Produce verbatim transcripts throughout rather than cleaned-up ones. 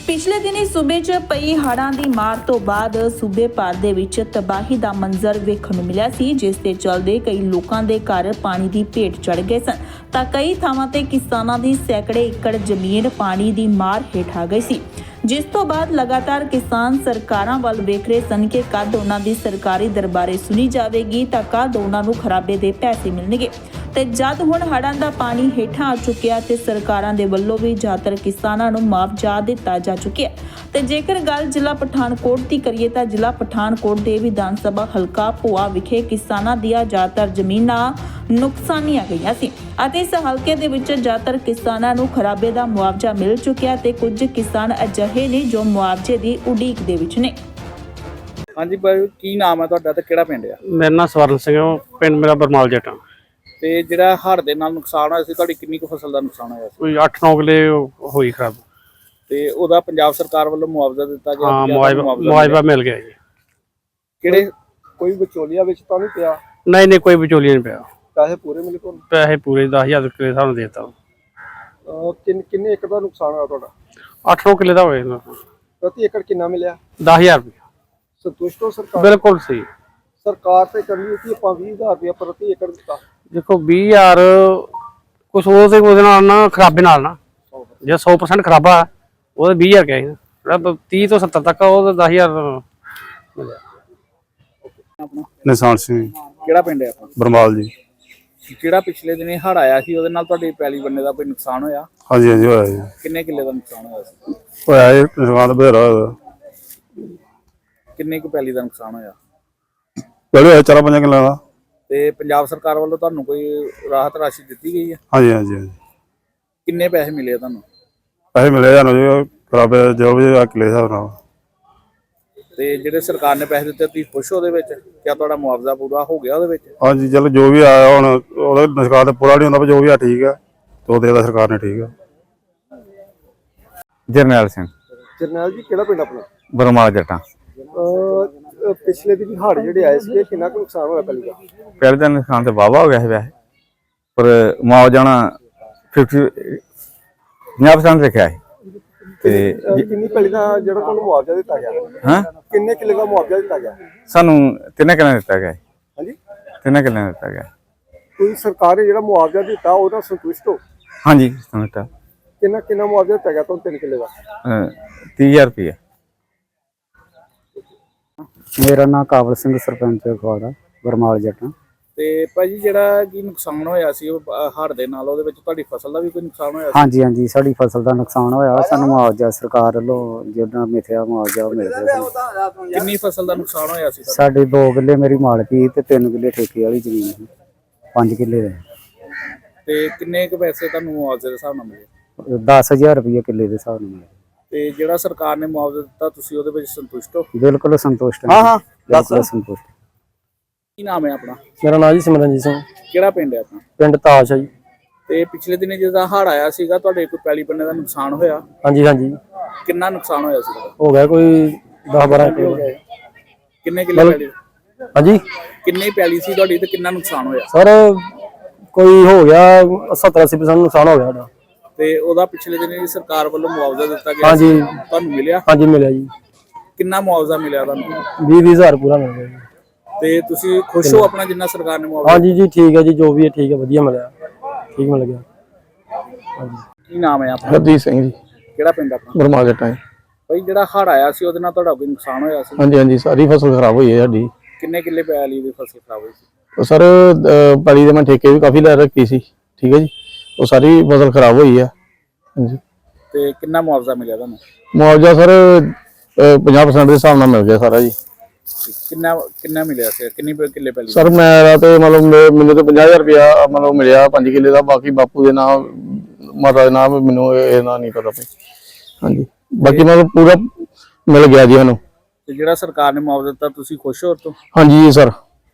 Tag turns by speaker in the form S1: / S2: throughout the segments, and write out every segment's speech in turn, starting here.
S1: ਪਿਛਲੇ ਦਿਨੀ ਸੂਬੇ 'ਚ ਪਈ ਹੜ੍ਹਾਂ ਦੀ ਮਾਰ ਤੋਂ ਬਾਅਦ ਸੂਬੇ ਭਰ ਦੇ ਵਿੱਚ ਤਬਾਹੀ ਦਾ ਮੰਜ਼ਰ ਵੇਖਣ ਨੂੰ ਮਿਲਿਆ ਸੀ, ਜਿਸ ਦੇ ਚੱਲਦੇ ਕਈ ਲੋਕਾਂ ਦੇ ਘਰ ਪਾਣੀ ਦੀ ਭੇਟ ਚੜ੍ਹ ਗਏ ਸਨ ਤਾਂ ਕਈ ਥਾਵਾਂ ਤੇ ਕਿਸਾਨਾਂ ਦੀ ਸੈਂਕੜੇ ਏਕੜ ਜ਼ਮੀਨ ਪਾਣੀ ਦੀ ਮਾਰ ਹੇਠ ਆ ਗਈ ਸੀ। ਜਿਸ ਤੋਂ ਬਾਅਦ ਲਗਾਤਾਰ ਕਿਸਾਨ ਸਰਕਾਰਾਂ ਵੱਲ ਵੇਖ ਰਹੇ ਸਨ ਕਿ ਕਦ ਉਹਨਾਂ ਦੀ ਸਰਕਾਰੀ ਦਰਬਾਰੇ ਸੁਣੀ ਜਾਵੇਗੀ ਤਾਂ ਕਦ ਉਹਨਾਂ ਨੂੰ ਖਰਾਬੇ ਦੇ ਪੈਸੇ ਮਿਲਣਗੇ। ਤੇ ਜਦ ਹੁਣ ਹੜ੍ਹਾਂ ਦਾ ਪਾਣੀ ਹੇਠਾਂ ਆ ਚੁੱਕਿਆ ਤੇ ਸਰਕਾਰਾਂ ਦੇ ਵੱਲੋਂ ਵੀ ਜ਼ਿਆਦਾਤਰ ਕਿਸਾਨਾਂ ਨੂੰ ਮੁਆਵਜ਼ਾ ਦਿੱਤਾ ਜਾ ਚੁੱਕਿਆ। ਤੇ ਜੇਕਰ ਗੱਲ ਜ਼ਿਲ੍ਹਾ ਪਠਾਨਕੋਟ ਦੀ ਕਰੀਏ ਤਾਂ ਜ਼ਿਲ੍ਹਾ ਪਠਾਨਕੋਟ ਦੇ ਵਿਧਾਨ ਸਭਾ ਹਲਕਾ ਭੋਆ ਵਿਖੇ ਕਿਸਾਨਾਂ ਦੀਆਂ ਜ਼ਿਆਦਾਤਰ ਜ਼ਮੀਨਾਂ ਨੁਕਸਾਨੀਆਂ ਗਈਆਂ ਸੀ ਅਤੇ ਇਸ ਹਲਕੇ ਦੇ ਵਿੱਚ ਜ਼ਿਆਦਾਤਰ ਕਿਸਾਨਾਂ ਨੂੰ ਖਰਾਬੇ ਦਾ ਮੁਆਵਜ਼ਾ ਮਿਲ ਚੁੱਕਿਆ ਤੇ ਕੁਝ ਕਿਸਾਨ ਅਜਿਹੇ ਨੇ ਜੋ ਮੁਆਵਜ਼ੇ ਦੀ ਉਡੀਕ ਦੇ ਵਿੱਚ ਨੇ।
S2: ਹਾਂਜੀ ਭਾਈ, ਕੀ ਨਾਮ ਹੈ ਤੁਹਾਡਾ ਤੇ ਕਿਹੜਾ ਪਿੰਡ ਆ?
S3: ਮੇਰਾ ਨਾਮ ਸਵਰਨ ਸਿੰਘ ਹੈ, ਪਿੰਡ ਮੇਰਾ ਬਰਮਾਲ ਜੱਟਾਂ।
S2: ਤੇ ਜਿਹੜਾ ਹੜ੍ਹ ਦੇ ਨਾਲ ਨੁਕਸਾਨ ਹੋਇਆ ਸੀ, ਤੁਹਾਡੀ ਕਿੰਨੀ ਕੁ ਫਸਲ ਦਾ ਨੁਕਸਾਨ ਹੋਇਆ ਸੀ?
S3: ਕੋਈ ਅੱਠ ਨੌ ਕਿੱਲੇ ਹੋਈ ਖਰਾਬ।
S2: ਤੇ ਉਹਦਾ ਪੰਜਾਬ ਸਰਕਾਰ ਵੱਲੋਂ ਮੁਆਵਜ਼ਾ ਦਿੱਤਾ ਗਿਆ?
S3: ਹਾਂ, ਮੁਆਵਜ਼ਾ ਮੁਆਵਜ਼ਾ ਮਿਲ ਗਿਆ ਜੀ।
S2: ਕਿਹੜੇ ਕੋਈ ਵਿਚੋਲੀਆ ਵਿੱਚ ਤਾਂ ਨਹੀਂ ਪਿਆ?
S3: ਨਹੀਂ ਨਹੀਂ, ਕੋਈ ਵਿਚੋਲੀਆ ਨਹੀਂ ਪਿਆ।
S2: ਪੈਸੇ ਪੂਰੇ ਮਿਲੇ ਤੁਹਾਨੂੰ?
S3: ਪੈਸੇ ਪੂਰੇ ਦਸ ਹਜ਼ਾਰ ਕਿੱਲੇ ਸਾਨੂੰ ਦੇ ਦਿੱਤਾ।
S2: ਕਿੰਨੇ ਕਿੰਨੇ ਏਕੜ ਦਾ ਨੁਕਸਾਨ ਹੋਇਆ ਤੁਹਾਡਾ?
S3: ਅੱਠ ਨੌ ਕਿੱਲੇ ਦਾ ਹੋਏ।
S2: ਪ੍ਰਤੀ ਏਕੜ ਕਿੰਨਾ ਮਿਲਿਆ?
S3: ਦਸ ਹਜ਼ਾਰ ਰੁਪਏ।
S2: ਸੰਤੁਸ਼ਟ ਹੋ ਸਰਕਾਰ?
S3: ਬਿਲਕੁਲ ਸਹੀ।
S2: ਸਰਕਾਰ ਤੇ ਕਹਿੰਦੀ ਕਿ ਆਪਾਂ ਵੀਹ ਹਜ਼ਾਰ ਰੁਪਏ ਪ੍ਰਤੀ ਏਕੜ ਦਿੱਤਾ।
S3: ਦੇਖੋ ਵੀਹ ਹਜ਼ਾਰ ਕੁਛ ਉਹ ਤੇ ਉਹਦੇ ਨਾਲ ਨਾ ਖਰਾਬੇ ਨਾਲ ਨਾ ਜੇ ਸੌ ਪਰਸੈਂਟ ਖਰਾਬਾ ਉਹਦੇ ਵੀਹ ਹਜ਼ਾਰ ਕਿਹਾ ਸੀ, ਤੀਹ ਤੋਂ ਸੱਤਰ ਤੱਕ ਉਹ ਦਸ ਹਜ਼ਾਰ ਮਿਲਿਆ।
S4: ਨਿਸ਼ਾਨ ਸਿੰਘ
S2: ਕਿਹੜਾ ਪਿੰਡ ਹੈ ਆਪਣਾ?
S4: ਬਰਮਾਲ ਜੀ।
S2: ਜਿਹੜਾ ਪਿਛਲੇ ਦਿਨੇ ਹੜ੍ਹ ਆਇਆ ਸੀ ਉਹਦੇ ਨਾਲ ਤੁਹਾਡੀ ਪੈਲੀ ਬੰਨੇ ਦਾ ਕੋਈ ਨੁਕਸਾਨ ਹੋਇਆ?
S4: ਹਾਂਜੀ ਹਾਂਜੀ ਹੋਇਆ ਜੀ।
S2: ਕਿੰਨੇ ਕਿੱਲੇ ਦਾ ਨੁਕਸਾਨ ਹੋਇਆ ਸੀ?
S4: ਹੋਇਆ ਜੀ ਨੁਕਸਾਨ ਬਥੇਰਾ ਹੋਇਆ।
S2: ਕਿੰਨੇ ਕੁ ਪੈਲੀ ਦਾ ਨੁਕਸਾਨ ਹੋਇਆ?
S4: ਪਹਿਲੇ ਹੋਇਆ ਚਾਰਾਂ ਪੰਜਾਂ ਕਿੱਲਿਆਂ ਦਾ।
S2: ਤੇ ਪੰਜਾਬ ਸਰਕਾਰ ਵੱਲੋਂ ਤੁਹਾਨੂੰ ਕੋਈ ਰਾਹਤ ਰਾਸ਼ੀ ਦਿੱਤੀ ਗਈ ਹੈ?
S4: ਹਾਂਜੀ ਹਾਂਜੀ ਹਾਂਜੀ।
S2: ਕਿੰਨੇ ਪੈਸੇ ਮਿਲੇ ਆ ਤੁਹਾਨੂੰ?
S4: ਪੈਸੇ ਮਿਲੇ ਸਾਨੂੰ ਜੀ ਖਰਾਬੇ ਜੋ ਵੀ ਕਿੱਲੇ ਹਿਸਾਬ ਨਾਲ।
S2: ਤੇ ਜਿਹੜੇ ਸਰਕਾਰ ਨੇ ਪੈਸੇ ਦਿੱਤੇ ਤੁਸੀਂ ਖੁਸ਼ ਹੋ ਉਹਦੇ ਵਿੱਚ? ਕਿਆ ਤੁਹਾਡਾ ਮੁਆਵਜ਼ਾ ਪੂਰਾ ਹੋ ਗਿਆ ਉਹਦੇ ਵਿੱਚ?
S4: ਹਾਂਜੀ ਚਲੋ ਜੋ ਵੀ ਆਇਆ ਹੁਣ ਉਹਦਾ ਨੁਕਸਾਨ ਤਾਂ ਪੂਰਾ ਨਹੀਂ ਹੁੰਦਾ, ਪਰ ਜੋ ਵੀ ਆ ਠੀਕ ਆ ਤੇ ਉਹ ਦੇਦਾ ਸਰਕਾਰ ਨੇ ਠੀਕ ਆ।
S5: ਜਰਨੈਲ ਸਿੰਘ।
S2: ਜਰਨੈਲ ਜੀ, ਕਿਹੜਾ ਪਿੰਡ ਆਪਣਾ?
S5: ਬਰਮਾਲ ਜੱਟਾਂ।
S2: ਪਿਛਲੇ ਦਿਨ ਹੜ੍ਹ ਜਿਹੜੇ ਆਏ ਸੀ ਕਿੰਨਾ ਕੁ ਨੁਕਸਾਨ ਹੋਇਆ ਪਹਿਲੀ ਦਾ?
S5: ਪਹਿਲੇ ਦਿਨ ਨੁਕਸਾਨ ਤੇ ਵਾਹਵਾ ਹੋ ਗਿਆ ਸੀ ਵੈਸੇ, ਪਰ ਮੁਆਵਜ਼ਾ ਫਿਫਟੀ ਪੰਜਾਹ ਪਰਸੈਂਟ ਰੱਖਿਆ ਹੈ। ਤੇ
S2: ਕਿੰਨੀ ਪੈਲੀ ਦਾ ਜਿਹੜਾ ਤੁਹਾਨੂੰ ਮੁਆਵਜ਼ਾ ਦਿੱਤਾ ਗਿਆ?
S5: ਹਾਂ,
S2: ਕਿੰਨੇ ਕਿੱਲੇ ਦਾ ਮੁਆਵਜ਼ਾ ਦਿੱਤਾ ਗਿਆ?
S5: ਸਾਨੂੰ ਤਿੰਨੇ ਕਿੱਲੇ ਦਿੱਤਾ ਗਿਆ।
S2: ਹਾਂਜੀ,
S5: ਤਿੰਨੇ ਕਿੱਲੇ ਦਿੱਤਾ ਗਿਆ।
S2: ਕੋਈ ਸਰਕਾਰ ਨੇ ਜਿਹੜਾ ਮੁਆਵਜ਼ਾ ਦਿੱਤਾ ਉਹਦਾ ਸੰਤੁਸ਼ਟ ਹੋ?
S5: ਹਾਂਜੀ ਸੰਤੁਸ਼ਟ।
S2: ਕਿੰਨਾ ਕਿੰਨਾ ਮੁਆਵਜ਼ਾ ਦਿੱਤਾ ਗਿਆ ਤੁਹਾਨੂੰ ਤਿੰਨ ਕਿੱਲੇ ਦਾ?
S5: ਤੀਹ ਹਜ਼ਾਰ ਰੁਪਏ।
S6: ਮੇਰਾ ਨਾਮ ਕਾਬਲ ਸਿੰਘ, ਸਰਪੰਚ ਅਖਵਾੜਾ, ਬਰਮਾਲ ਜੱਟਾਂ।
S2: ਤੇ ਭਾਜੀ ਜਿਹੜਾ ਕੀ ਨੁਕਸਾਨ ਹੋਇਆ ਸੀ ਉਹ ਹੜ੍ਹ ਦੇ ਨਾਲ, ਉਹਦੇ ਵਿੱਚ ਤੁਹਾਡੀ ਫਸਲ ਦਾ ਵੀ ਕੋਈ ਨੁਕਸਾਨ ਹੋਇਆ ਸੀ?
S6: ਹਾਂਜੀ ਹਾਂਜੀ, ਸਾਡੀ ਫਸਲ ਦਾ ਨੁਕਸਾਨ ਹੋਇਆ। ਸਾਨੂੰ ਮੁਆਵਜ਼ਾ ਸਰਕਾਰ ਵੱਲੋਂ ਜਿਹੜਾ ਮਿਥਿਆ ਮੁਆਵਜ਼ਾ ਉਹ ਮਿਲ ਗਿਆ।
S2: ਕਿੰਨੀ ਫਸਲ ਦਾ ਨੁਕਸਾਨ ਹੋਇਆ ਸੀ?
S6: ਸਾਡੇ ਦੋ ਕਿੱਲੇ ਮੇਰੀ ਮਾਲਕੀ ਤੇ ਤਿੰਨ ਕਿੱਲੇ ਠੇਕੇ ਵਾਲੀ ਜ਼ਮੀਨ ਸੀ, ਪੰਜ ਕਿੱਲੇ ਦੇ।
S2: ਤੇ ਕਿੰਨੇ ਕੁ ਪੈਸੇ ਤੁਹਾਨੂੰ ਮੁਆਵਜ਼ੇ ਦੇ ਹਿਸਾਬ ਨਾਲ ਮਿਲੇ?
S6: ਦਸ ਹਜ਼ਾਰ ਰੁਪਏ ਕਿੱਲੇ ਦੇ ਹਿਸਾਬ ਨਾਲ ਮਿਲੇ।
S2: ਤੇ ਜਿਹੜਾ ਸਰਕਾਰ ਨੇ ਮੁਆਵਜ਼ਾ ਦਿੱਤਾ ਤੁਸੀਂ ਉਹਦੇ ਵਿੱਚ ਸੰਤੁਸ਼ਟ ਹੋ?
S6: ਬਿਲਕੁਲ ਸੰਤੁਸ਼ਟ
S2: ਹਾਂ ਹਾਂ,
S6: ਬਿਲਕੁਲ ਸੰਤੁਸ਼ਟ।
S2: ਕੀ ਨਾਮ ਹੈ ਆਪਣਾ?
S3: ਮੇਰਾ ਨਾਮ ਜੀ ਸਿਮਰਨਜੀਤ ਸਿੰਘ।
S2: ਕਿਹੜਾ ਪਿੰਡ ਹੈ ਆਪਣਾ?
S3: ਪਿੰਡ ਤਾਸ਼ ਹੈ ਜੀ।
S2: ਤੇ ਪਿਛਲੇ ਦਿਨੇ ਜਦੋਂ ਹੜ੍ਹ ਆਇਆ ਸੀਗਾ ਤੁਹਾਡੇ ਕੋਈ ਪੈਲੀ ਬੰਨੇ ਦਾ ਨੁਕਸਾਨ ਹੋਇਆ?
S3: ਹਾਂਜੀ ਹਾਂਜੀ,
S2: ਕਿੰਨਾ ਨੁਕਸਾਨ ਹੋਇਆ ਸੀ?
S3: ਹੋ ਗਿਆ ਕੋਈ ਦਸ ਬਾਰਾਂ ਕਿੱਲੇ।
S2: ਕਿੰਨੇ ਕਿੱਲੇ ਪੈਲੀ?
S3: ਹਾਂਜੀ,
S2: ਕਿੰਨੀ ਪੈਲੀ ਸੀ ਤੁਹਾਡੀ ਤੇ ਕਿੰਨਾ ਨੁਕਸਾਨ ਹੋਇਆ?
S3: ਸਰ ਕੋਈ ਹੋ ਗਿਆ ਸੱਤਰ ਅੱਸੀ ਪਰਸੈਂਟ ਨੁਕਸਾਨ ਹੋ ਗਿਆ ਸਾਡਾ।
S2: ਤੇ ਉਹਦਾ ਪਿਛਲੇ ਦਿਨ ਸਰਕਾਰ ਵੱਲੋਂ ਮੁਆਵਜ਼ਾ ਦਿੱਤਾ ਗਿਆ?
S3: ਹਾਂਜੀ,
S2: ਤੁਹਾਨੂੰ ਮਿਲਿਆ?
S3: ਹਾਂਜੀ ਮਿਲਿਆ ਜੀ।
S2: ਕਿੰਨਾ ਮੁਆਵਜ਼ਾ ਮਿਲਿਆ ਤੁਹਾਨੂੰ?
S3: ਵੀਹ ਵੀਹ ਹਜ਼ਾਰ ਪੂਰਾ ਮਿਲ ਗਿਆ ਜੀ।
S2: ਤੇ ਤੁਸੀਂ ਖੁਸ਼ ਹੋ ਆਪਣਾ ਜਿੰਨਾ ਸਰਕਾਰ ਨੇ ਮੁਆਵਜ਼ਾ?
S3: ਹਾਂਜੀ ਜੀ, ਠੀਕ ਹੈ ਜੀ, ਜੋ ਵੀ ਹੈ ਠੀਕ ਹੈ, ਵਧੀਆ ਮਿਲਿਆ, ਠੀਕ ਮਿਲ ਗਿਆ। ਹਾਂਜੀ।
S2: ਕੀ ਨਾਮ ਹੈ ਆਪਣਾ?
S4: ਹਰਦੀਪ ਸਿੰਘ ਜੀ।
S6: ਕਿਹੜਾ ਪਿੰਡ ਆਪਣਾ?
S4: ਬਰਮਾਲ ਜੱਟਾਂ।
S2: ਭਾਈ ਜਿਹੜਾ ਹੜ੍ਹ ਆਇਆ ਸੀ ਉਹਦੇ ਨਾਲ ਤੁਹਾਡਾ ਕੋਈ ਨੁਕਸਾਨ ਹੋਇਆ ਸੀ?
S4: ਹਾਂਜੀ ਹਾਂਜੀ, ਸਾਰੀ ਫਸਲ ਖਰਾਬ ਹੋਈ ਹੈ ਸਾਡੀ।
S2: ਕਿੰਨੇ ਕਿੱਲੇ ਪੈਲੀ ਦੀ ਫਸਲ ਖਰਾਬ ਹੋਈ ਸੀ?
S4: ਸਰ ਪੈਲੀ ਦੇ ਮੈਂ ਠੇਕੇ ਵੀ ਕਾਫੀ ਲੈ ਰੱਖੀ ਸੀ, ਠੀਕ ਹੈ ਜੀ, ਉਹ ਸਾਰੀ ਫਸਲ ਖਰਾਬ ਹੋਈ ਆ। ਹਾਂਜੀ।
S2: ਤੇ ਕਿੰਨਾ ਮੁਆਵਜ਼ਾ ਮਿਲਿਆ ਤੁਹਾਨੂੰ?
S4: ਮੁਆਵਜ਼ਾ ਸਰ ਪੰਜਾਹ ਪਰਸੈਂਟ ਦੇ ਹਿਸਾਬ ਨਾਲ ਮਿਲ ਗਿਆ ਸਾਰਾ ਜੀ।
S2: ਕਿੰਨਾ ਕਿੰਨਾ ਮਿਲਿਆ ਸੀ? ਕਿੰਨੀ ਕਿੱਲੇ ਪੈਲੀ?
S4: ਸਰ ਮੇਰਾ ਤੇ ਮਤਲਬ ਮੈਨੂੰ ਤਾਂ ਪੰਜਾਹ ਹਜ਼ਾਰ ਰੁਪਇਆ ਮਤਲਬ ਮਿਲਿਆ ਪੰਜ ਕਿੱਲੇ ਦਾ, ਬਾਕੀ ਬਾਪੂ ਦੇ ਨਾਮ ਮਾਤਾ ਦੇ ਨਾਮ ਮੈਨੂੰ ਇਹਦਾ ਨਹੀਂ ਪਤਾ। ਹਾਂਜੀ, ਬਾਕੀ ਮਤਲਬ ਪੂਰਾ ਮਿਲ ਗਿਆ ਜੀ ਸਾਨੂੰ।
S2: ਤੇ ਜਿਹੜਾ ਸਰਕਾਰ ਨੇ ਮੁਆਵਜ਼ਾ ਦਿੱਤਾ ਤੁਸੀਂ ਖੁਸ਼ ਹੋ ਤੋਂ?
S4: ਹਾਂਜੀ ਸਰ,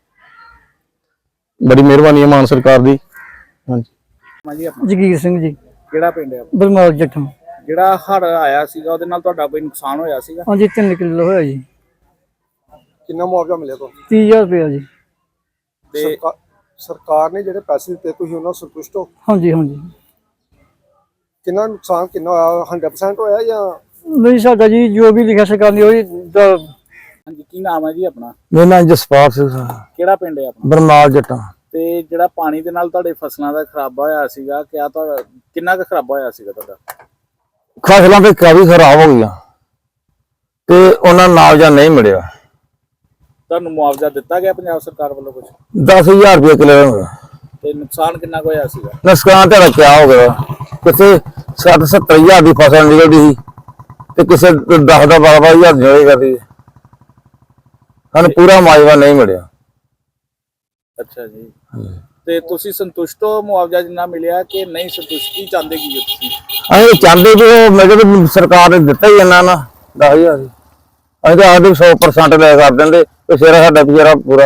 S4: ਬੜੀ ਮਿਹਰਬਾਨੀ ਹੈ ਮਾਨ ਸਰਕਾਰ ਦੀ। ਹਾਂਜੀ।
S2: ਹਾਂਜੀ ਆਪਣਾ?
S6: ਜਗੀਰ ਸਿੰਘ ਜੀ।
S2: ਕਿਹੜਾ ਪਿੰਡ ਹੈ?
S6: ਬਰਮਾਲ ਜੱਟਾਂ।
S2: ਜਿਹੜਾ ਹੜ੍ਹ ਆਇਆ ਸੀਗਾ ਉਹਦੇ ਨਾਲ ਤੁਹਾਡਾ ਕੋਈ ਨੁਕਸਾਨ ਹੋਇਆ ਸੀਗਾ?
S6: ਹਾਂਜੀ, ਤਿੰਨ ਕਿੱਲੇ ਹੋਇਆ ਜੀ।
S2: ਕਿੰਨਾ ਮੁਆਵਜ਼ਾ ਮਿਲਿਆ ਤੁਹਾਨੂੰ?
S6: ਤੀਹ ਹਜ਼ਾਰ ਰੁਪਇਆ ਜੀ।
S2: ਤੇ ਸਰਕਾਰ ਨੇ ਜਿਹੜੇ ਪੈਸੇ ਦਿੱਤੇ ਤੁਸੀਂ ਉਹਨਾਂ ਸੰਤੁਸ਼ਟ ਹੋ?
S6: ਹਾਂਜੀ ਹਾਂਜੀ।
S2: ਕਿੰਨਾ ਨੁਕਸਾਨ ਕਿੰਨਾ ਹੋਇਆ? ਸੌ ਪਰਸੈਂਟ ਹੋਇਆ ਜਾਂ
S7: ਨਹੀਂ ਸਾਡਾ ਜੀ ਜੋ ਵੀ ਲਿਖਿਆ ਸਰਕਾਰ ਨੇ ਉਹੀ ਦਾ
S2: ਹਾਂਜੀ, ਕੀ ਨਾਮ ਹੈ ਜੀ ਆਪਣਾ?
S4: ਮੇਰਾ ਨਾਮ ਜਸਪਾਲ ਸਿੰਘ
S2: ਕਿਹੜਾ ਪਿੰਡ ਹੈ ਆਪਣਾ?
S4: ਬਰਨਾਲ ਜੱਟਾਂ।
S2: ਤੇ ਜਿਹੜਾ ਪਾਣੀ ਦੇ ਨਾਲ ਤੁਹਾਡੇ ਫਸਲਾਂ ਦਾ ਖਰਾਬਾ ਹੋਇਆ ਸੀਗਾ, ਕਿਆ ਤੁਹਾਡਾ ਕਿੰਨਾ ਕੁ ਖਰਾਬਾ ਹੋਇਆ ਸੀਗਾ ਤੁਹਾਡਾ?
S4: ਫਸਲਾਂ ਤੇ ਕਾਫੀ ਖਰਾਬ ਹੋ ਗਈਆਂ ਤੇ ਉਹਨਾਂ ਨੂੰ ਮੁਆਵਜ਼ਾ ਨਹੀਂ ਮਿਲਿਆ।
S2: ਤੁਹਾਨੂੰ ਮੁਆਵਜ਼ਾ ਦਿੱਤਾ ਗਿਆ ਪੰਜਾਬ ਸਰਕਾਰ ਵੱਲੋਂ ਕੁਝ?
S4: ਦਸ ਹਜ਼ਾਰ ਰੁਪਏ ਕਿਲੋ ਹੋਇਆ।
S2: ਤੇ ਨੁਕਸਾਨ ਕਿੰਨਾ ਕੁ ਹੋਇਆ ਸੀਗਾ?
S4: ਨੁਕਸਾਨ ਤੁਹਾਡਾ ਕਿਆ ਹੋ ਗਿਆ? ਕਿਸੇ ਸੱਠ ਸੱਤਰ ਹਜ਼ਾਰ ਦੀ ਫਸਲ ਨਿਕਲਦੀ ਸੀ ਤੇ ਕਿਸੇ ਦਸ ਦਾ ਬਾਰਾਂ ਬਾਰਾਂ ਹਜ਼ਾਰ ਦੀ ਕਰਦੀ ਸਾਨੂੰ ਪੂਰਾ ਮੁਆਵਜ਼ਾ ਨਹੀਂ ਮਿਲਿਆ।
S2: ਅੱਛਾ ਜੀ, ਤੇ ਤੁਸੀਂ ਸੰਤੁਸ਼ਟ ਹੋ ਮੁਆਵਜ਼ਾ ਜਿੰਨਾ ਮਿਲਿਆ ਕਿ ਨਹੀਂ ਸੰਤੁਸ਼ਟੀ ਚਾਹੁੰਦੇ ਕੀ ਹੋ ਤੁਸੀਂ?
S4: ਅਸੀਂ ਚਾਹੁੰਦੇ ਵੀ ਉਹ ਮੈਂ ਕਿਹਾ ਸਰਕਾਰ ਨੇ ਦਿੱਤਾ ਹੀ ਇਹਨਾਂ ਨਾ ਦਸ ਹਜ਼ਾਰ ਅਸੀਂ ਤਾਂ ਆਖਦੇ ਸੌ ਪਰਸੈਂਟ ਲੈ ਕਰ ਦਿੰਦੇ ਤੇ ਸਿਰ ਸਾਡਾ ਵਿਚਾਰਾ ਪੂਰਾ।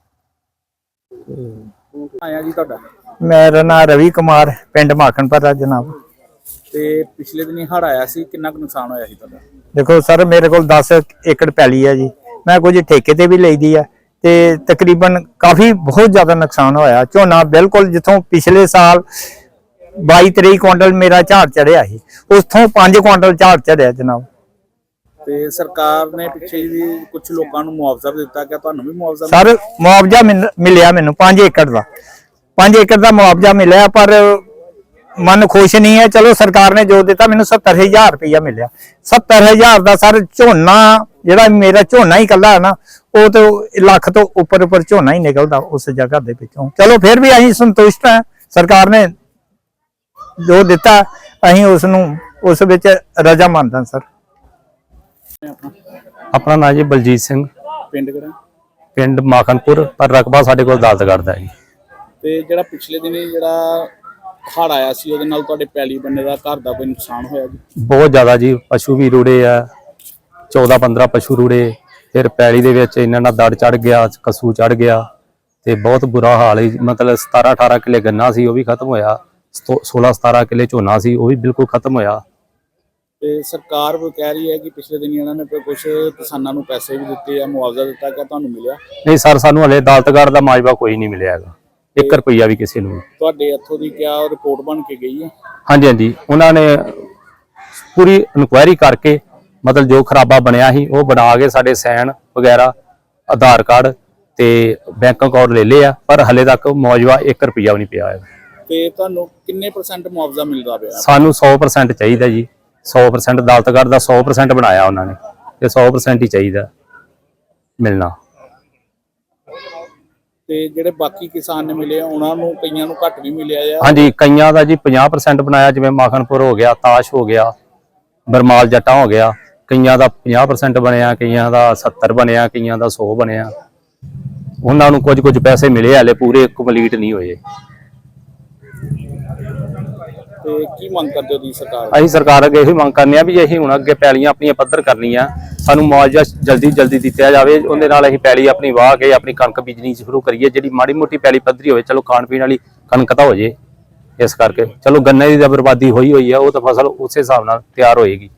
S2: ਆਇਆ ਜੀ ਤੁਹਾਡਾ?
S8: ਮੇਰਾ ਨਾਮ ਰਵੀ ਕੁਮਾਰ, ਪਿੰਡ ਮਾਖਣਪੁਰਾ ਜਨਾਬ।
S2: ਤੇ ਪਿਛਲੇ ਦਿਨੀ ਹੜ੍ਹ ਆਇਆ ਸੀ, ਕਿੰਨਾ ਕੁ ਨੁਕਸਾਨ ਹੋਇਆ ਸੀ ਤੁਹਾਡਾ?
S8: ਦੇਖੋ ਸਰ, ਮੇਰੇ ਕੋਲ ਦਸ ਏਕੜ ਪੈਲੀ ਹੈ ਜੀ। ਮੈਂ ਕੁਝ ਠੇਕੇ ਤੇ ਵੀ ਲਈਦੀ ਆ ਤੇ ਤਕਰੀਬਨ ਕਾਫੀ ਬਹੁਤ ਜ਼ਿਆਦਾ ਨੁਕਸਾਨ ਹੋਇਆ। ਝੋਨਾ ਬਿਲਕੁਲ ਜਿੱਥੋਂ ਪਿਛਲੇ ਸਾਲ ਬਾਈ ਤੇਈ ਕੁਇੰਟਲ ਮੇਰਾ ਝਾੜ ਚੜਿਆ ਸੀ, ਉਥੋਂ ਪੰਜ ਕੁਇੰਟਲ ਝਾੜ ਚੜਿਆ ਜਨਾਬ।
S2: ਤੇ ਸਰਕਾਰ ਨੇ ਪਿੱਛੇ ਜੀ ਕੁਝ ਲੋਕਾਂ ਨੂੰ ਮੁਆਵਜ਼ਾ ਵੀ ਦਿੱਤਾ, ਕਿ ਤੁਹਾਨੂੰ ਵੀ ਮੁਆਵਜ਼ਾ?
S8: ਸਰ ਮੁਆਵਜ਼ਾ ਮਿਲ- ਮਿਲਿਆ ਮੈਨੂੰ ਪੰਜ ਏਕੜ ਦਾ ਪੰਜ ਏਕੜ ਦਾ ਮੁਆਵਜ਼ਾ ਮਿਲਿਆ, ਪਰ ਮਨ ਖੁਸ਼ ਨਹੀਂ ਹੈ। ਚਲੋ ਸਰਕਾਰ ਨੇ ਜੋ ਦਿੱਤਾ, ਮੈਨੂੰ ਸੱਤਰ ਹਜ਼ਾਰ ਰੁਪਇਆ ਮਿਲਿਆ। ਸੱਤਰ ਹਜ਼ਾਰ ਦਾ ਸਰ ਝੋਨਾ ਜਿਹੜਾ ਮੇਰਾ ਝੋਨਾ ਹੀ ਇਕੱਲਾ ਹੈ ਨਾ, ਉਹ ਤੇ ਲੱਖ ਤੋਂ ਉੱਪਰ ਉੱਪਰ ਝੋਨਾ ਹੀ ਨਿਕਲਦਾ ਉਸ ਜਗ੍ਹਾ ਦੇ ਵਿੱਚੋਂ। ਚਲੋ ਫਿਰ ਵੀ ਅਸੀਂ ਸੰਤੁਸ਼ਟ ਹਾਂ, ਸਰਕਾਰ ਨੇ ਜੋ ਦਿੱਤਾ ਅਸੀਂ ਉਸ ਨੂੰ ਉਸ ਵਿੱਚ ਰਜ਼ਾਮੰਦ ਹਾਂ ਸਰ।
S3: ਆਪਣਾ ਨਾਂ ਜੀ ਬਲਜੀਤ ਸਿੰਘ,
S2: ਪਿੰਡ ਕਿਹੜਾ?
S3: ਪਿੰਡ ਮਾਖਣਪੁਰ, ਪਰ ਰਕਬਾ ਸਾਡੇ ਕੋਲ ਅਦਾਲਤਗੜ੍ਹ ਦਾ ਜੀ।
S2: ਤੇ ਜਿਹੜਾ ਪਿਛਲੇ ਦਿਨੀ ਜਿਹੜਾ ਹੜ੍ਹ ਆਇਆ ਸੀ, ਉਹਦੇ ਨਾਲ ਤੁਹਾਡੇ ਪੈਲੀ ਬੰਨੇ ਦਾ ਘਰ ਦਾ ਕੋਈ ਨੁਕਸਾਨ ਹੋਇਆ ਜੀ?
S3: ਬਹੁਤ ਜ਼ਿਆਦਾ ਜੀ, ਪਸ਼ੂ ਵੀ ਰੁੜੇ ਆ, ਚੌਦਾਂ ਪੰਦਰਾਂ ਪਸ਼ੂ ਰੁੜੇ। ਫਿਰ ਪੈਲੀ ਦੇ ਵਿੱਚ ਇਹਨਾਂ ਨਾਲ ਦੜ ਚੜ ਗਿਆ, ਕਸੂ ਚੜ ਗਿਆ ਤੇ ਬਹੁਤ ਬੁਰਾ ਹਾਲ ਹੈ। ਮਤਲਬ ਸਤਾਰਾਂ ਅਠਾਰਾਂ ਕਿੱਲੇ ਗੰਨਾ ਸੀ, ਉਹ ਵੀ ਖਤਮ ਹੋਇਆ। ਸੋਲਾਂ ਸਤਾਰਾਂ ਕਿੱਲੇ ਝੋਨਾ ਸੀ, ਉਹ ਵੀ ਬਿਲਕੁਲ ਖਤਮ ਹੋਇਆ।
S2: ਤੇ ਸਰਕਾਰ ਵੀ ਕਹਿ ਰਹੀ ਹੈ ਕਿ ਪਿਛਲੇ ਦਿਨੀ ਇਹਨਾਂ ਨੇ ਕੁਝ ਕਿਸਾਨਾਂ ਨੂੰ ਪੈਸੇ ਵੀ ਦਿੱਤੇ ਆ, ਮੁਆਵਜ਼ਾ ਦਿੱਤਾ, ਕਿ ਤੁਹਾਨੂੰ ਮਿਲਿਆ?
S3: ਨਹੀਂ ਸਰ, ਸਾਨੂੰ ਹਲੇ ਅਦਾਲਤਗੜ੍ਹ ਦਾ ਮਾਜਵਾ ਕੋਈ ਨਹੀਂ ਮਿਲਿਆ ਹੈਗਾ, ਇੱਕ ਰੁਪਈਆ ਵੀ ਕਿਸੇ ਨੂੰ।
S2: ਤੁਹਾਡੇ ਇੱਥੋਂ ਦੀ ਕਿਆ ਰਿਪੋਰਟ ਬਣ ਕੇ ਗਈ ਹੈ?
S3: ਹਾਂਜੀ ਹਾਂਜੀ, ਉਹਨਾਂ ਨੇ ਪੂਰੀ ਇਨਕੁਆਇਰੀ ਕਰਕੇ ਮਤਲਬ ਜੋ ਖਰਾਬਾ ਬਣਿਆ ਸੀ ਉਹ ਬਣਾ ਕੇ ਸਾਡੇ ਸਾਈਨ ਵਗੈਰਾ, ਆਧਾਰ ਕਾਰਡ ਤੇ ਬੈਂਕ ਅਕਾਊਂਟ ਲੈ ਲਏ ਆ, ਪਰ ਹਲੇ ਤੱਕ ਮੁਆਵਜ਼ਾ ਇੱਕ ਰੁਪਈਆ ਵੀ ਨਹੀਂ ਪਿਆ ਹੈ।
S2: ਤੇ ਤੁਹਾਨੂੰ ਕਿੰਨੇ ਪਰਸੈਂਟ ਮੁਆਵਜ਼ਾ ਮਿਲਦਾ ਪਿਆ?
S3: ਸਾਨੂੰ ਸੌ ਪਰਸੈਂਟ ਚਾਹੀਦਾ ਜੀ, ਸੌ ਪਰਸੈਂਟ ਅਦਾਲਤਗੜ੍ਹ ਦਾ ਸੌ ਪਰਸੈਂਟ ਬਣਾਇਆ ਉਹਨਾਂ ਨੇ ਤੇ ਸੌ ਪਰਸੈਂਟ ਹੀ ਚਾਹੀਦਾ ਮਿਲਣਾ।
S2: ਤੇ ਜਿਹੜੇ ਬਾਕੀ ਕਿਸਾਨ ਨੇ ਮਿਲੇ ਉਹਨਾਂ ਨੂੰ ਕਈਆਂ ਨੂੰ ਘੱਟ ਵੀ ਮਿਲਿਆ ਆ?
S3: ਹਾਂਜੀ, ਕਈਆਂ ਦਾ ਜੀ ਪੰਜਾਹ ਪਰਸੈਂਟ ਬਣਾਇਆ, ਜਿਵੇਂ ਮਾਖਣਪੁਰ ਹੋ ਗਿਆ, ਤਾਸ਼ ਹੋ ਗਿਆ, ਬਰਮਾਲ ਜੱਟਾਂ ਹੋ ਗਿਆ। ਕਈਆਂ ਦਾ ਪੰਜਾਹ ਪਰਸੈਂਟ ਬਣਿਆ, ਕਈਆਂ ਦਾ ਸੱਤਰ ਬਣਿਆ, ਕਈਆਂ ਦਾ ਸੌ ਬਣਿਆ। ਉਹਨਾਂ ਨੂੰ ਕੁਝ ਕੁਝ ਪੈਸੇ ਮਿਲੇ, ਹਲੇ ਪੂਰੇ ਕੰਪਲੀਟ ਨਹੀਂ ਹੋਏ।
S2: ਤੇ ਕੀ ਮੰਗ ਕਰਦੇ ਹੋ ਤੁਸੀਂ ਸਰਕਾਰ?
S3: ਅਸੀਂ ਸਰਕਾਰ ਅੱਗੇ ਇਹੀ ਮੰਗ ਕਰਨੀ ਆ ਵੀ ਅਸੀਂ ਹੁਣ ਅੱਗੇ ਪੈਲੀਆਂ ਆਪਣੀਆਂ ਪੱਧਰ ਕਰਨੀਆਂ, ਸਾਨੂੰ ਮੁਆਵਜ਼ਾ ਜਲਦੀ ਜਲਦੀ ਦਿੱਤਾ ਜਾਵੇ। ਉਹਦੇ ਨਾਲ ਅਸੀਂ ਪੈਲੀ ਆਪਣੀ ਵਾਹ ਕੇ ਆਪਣੀ ਕਣਕ ਬੀਜਣੀ ਸ਼ੁਰੂ ਕਰੀਏ। ਜਿਹੜੀ ਮਾੜੀ ਮੋਟੀ ਪੈਲੀ ਪੱਧਰੀ ਹੋਵੇ, ਚਲੋ ਖਾਣ ਪੀਣ ਵਾਲੀ ਕਣਕ ਤਾਂ ਹੋ ਜੇ। ਇਸ ਕਰਕੇ ਚਲੋ ਗੰਨੇ ਦੀ ਤਾਂ ਬਰਬਾਦੀ ਹੋਈ ਹੋਈ ਆ, ਉਹ ਤਾਂ ਫਸਲ ਉਸੇ ਹਿਸਾਬ ਨਾਲ ਤਿਆਰ ਹੋਏਗੀ।